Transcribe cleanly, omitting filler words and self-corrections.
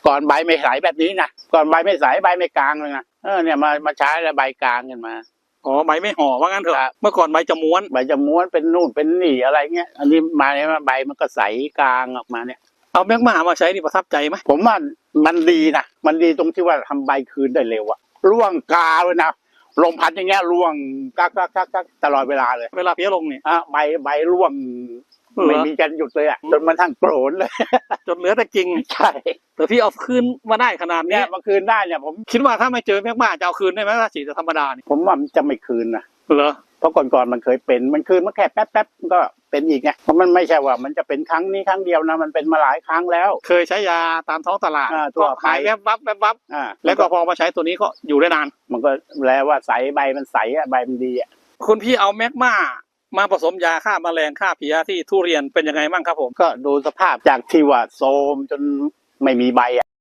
ก่อนใบไม่ใสแบบนี้นะก่อนใบไม่ใสใบไม่กลางเลยนะเนี่ยมาใช้แล้วใบกลางกันมาอ๋อใบไม่ห่อว่างั้นเถอะเมื่อก่อนใบจะม้วนใบจะม้วนเป็นนู่นเป็นนี่อะไรเงี้ยอันนี้มาเนี่ยใบมันก็ใสกลางออกมาเนี่ยเอาแมกมามาใช้นี่ประทับใจไหมผมว่ามันดีนะมันดีตรงที่ว่าทำใบคืนได้เร็วอะร่วงกาเลยนะลมพัดอย่างเงี้ยร่วงกักตลอดเวลาเลยเวลาเพี้ยลงเนี่ยใบร่วงไม่มีการหยุดเลยอ่ะจนมันทั้งโกรนเลยจนเหลือแต่กิ่งใช่แต่พี่เอาคืนมาได้ขนาดนี้มาคืนได้เนี่ยผมคิดว่าถ้าไม่เจอแมกมาจะเอาคืนได้ไหมถ้าฉีดธรรมดาเนี่ยผมว่ามันจะไม่คืนนะเหรอเพราะก่อนมันเคยเป็นมันคืนมาแค่แป๊บก็เป็นอีกไงเพราะมันไม่ใช่ว่ามันจะเป็นครั้งนี้ครั้งเดียวนะมันเป็นมาหลายครั้งแล้วเคยใช้ยาตามท้องตลาดตัวหายแวบวับแล้วก็พอมาใช้ตัวนี้ก็อยู่ได้นานมันก็แล้วว่าใสใบมันใสอ่ะใบมันดีอ่ะคุณพี่เอาแมกมาผสมยาฆ่าแมลงฆ่าเพลี้ยที่ทุเรียนเป็นยังไงบ้างครับผมก็ดูสภาพจากที่ว่าโทรมจนไม่มีใบอ่ะ